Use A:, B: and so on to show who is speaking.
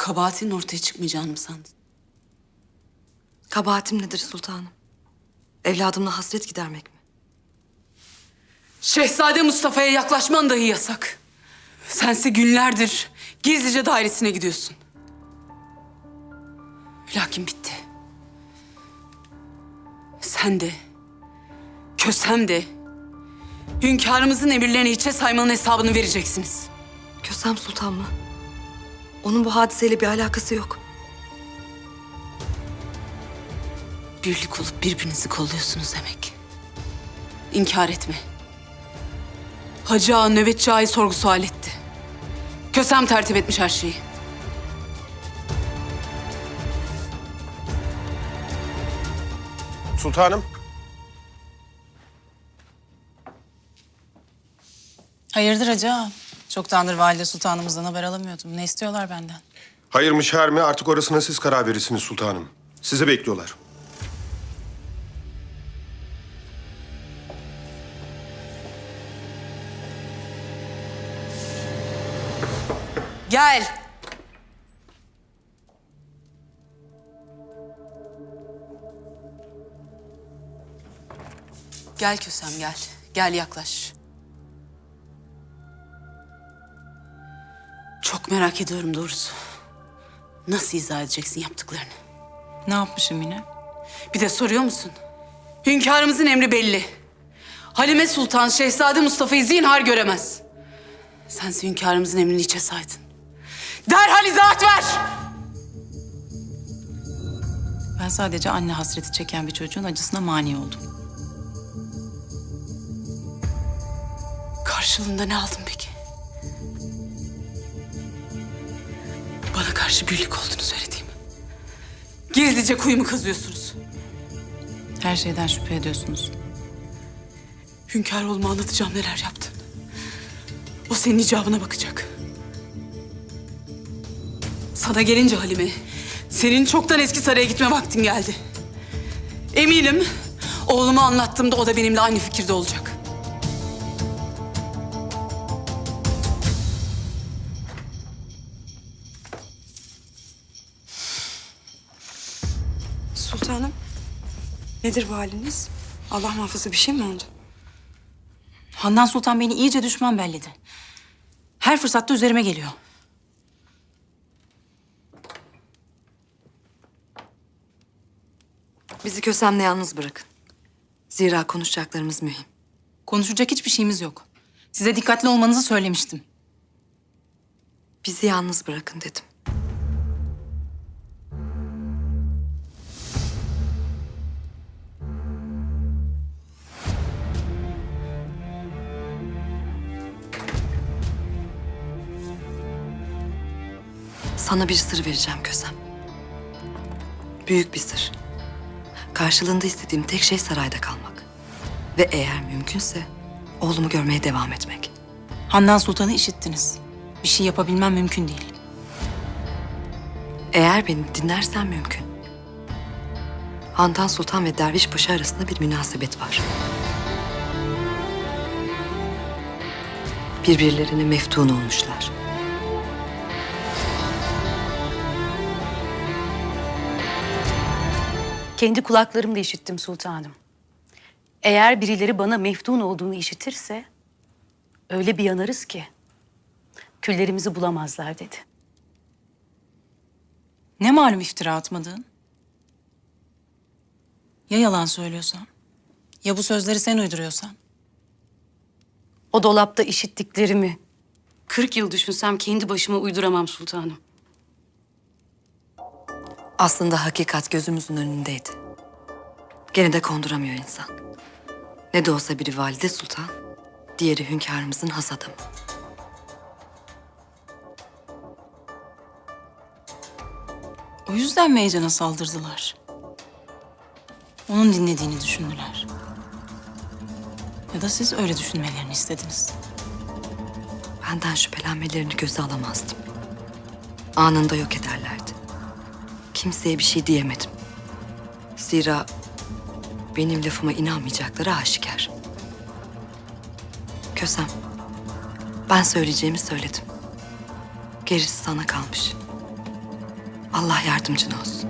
A: Kabahatinin ortaya çıkmayacağını mı sandın?
B: Kabahatim nedir sultanım? Evladımla hasret gidermek mi?
A: Şehzade Mustafa'ya yaklaşman dahi yasak. Sense günlerdir gizlice dairesine gidiyorsun. Lakin bitti. Sen de, Kösem de hünkârımızın emirlerini hiçe saymanın hesabını vereceksiniz.
B: Kösem Sultan mı? Onun bu hadiseyle bir alakası yok.
A: Birlik olup birbirinizi kolluyorsunuz demek. İnkar etme. Hacı Ağa nöbetçi ağayı sorgu sual etti. Kösem tertip etmiş her şeyi.
C: Sultanım.
D: Hayırdır Hacı Ağa? Çoktandır Valide Sultanımızdan haber alamıyordum. Ne istiyorlar benden?
C: Hayır mı şer mi artık orasına siz karar verirsiniz sultanım. Sizi bekliyorlar.
A: Gel. Gel Kösem gel. Gel yaklaş. Çok merak ediyorum doğrusu. Nasıl izah edeceksin yaptıklarını?
D: Ne yapmışım yine?
A: Bir de soruyor musun? Hünkârımızın emri belli. Halime Sultan Şehzade Mustafa'yı zinhar göremez. Sense hünkârımızın emrini hiçe saydın. Derhal izahat ver!
D: Ben sadece anne hasreti çeken bir çocuğun acısına mani oldum.
A: Karşılığında ne aldın peki? Bana karşı birlik olduğunu söylediğimi. Gizlice kuyumu kazıyorsunuz.
D: Her şeyden şüphe ediyorsunuz.
A: Hünkâr anlatacağım neler yaptın. O senin icabına bakacak. Sana gelince Halime, senin çoktan eski saraya gitme vaktin geldi. Eminim oğluma anlattığımda o da benimle aynı fikirde olacak.
E: Sultanım, nedir bu haliniz? Allah muhafaza bir şey mi oldu?
D: Handan Sultan beni iyice düşman belledi. Her fırsatta üzerime geliyor.
B: Bizi Kösem'le yalnız bırakın. Zira konuşacaklarımız mühim.
D: Konuşacak hiçbir şeyimiz yok. Size dikkatli olmanızı söylemiştim.
B: Bizi yalnız bırakın dedim. Sana bir sır vereceğim Kösem. Büyük bir sır. Karşılığında istediğim tek şey sarayda kalmak. Ve eğer mümkünse oğlumu görmeye devam etmek.
D: Handan Sultan'ı işittiniz. Bir şey yapabilmem mümkün değil.
B: Eğer beni dinlersen mümkün. Handan Sultan ve Derviş Paşa arasında bir münasebet var. Birbirlerine meftun olmuşlar.
F: Kendi kulaklarımla işittim sultanım. Eğer birileri bana meftun olduğunu işitirse öyle bir yanarız ki küllerimizi bulamazlar dedi.
D: Ne malum iftira atmadığın? Ya yalan söylüyorsan? Ya bu sözleri sen uyduruyorsan?
F: O dolapta işittiklerimi 40 yıl düşünsem kendi başıma uyduramam sultanım.
B: Aslında hakikat gözümüzün önündeydi. Gene de konduramıyor insan. Ne de olsa biri Valide Sultan, diğeri hünkârımızın has adamı.
D: O yüzden mi Heyecan'a saldırdılar? Onun dinlediğini düşündüler. Ya da siz öyle düşünmelerini istediniz.
B: Benden şüphelenmelerini göze alamazdım. Anında yok ederlerdi. Kimseye bir şey diyemedim. Zira benim lafıma inanmayacakları aşikar. Kösem, ben söyleyeceğimi söyledim. Gerisi sana kalmış. Allah yardımcın olsun.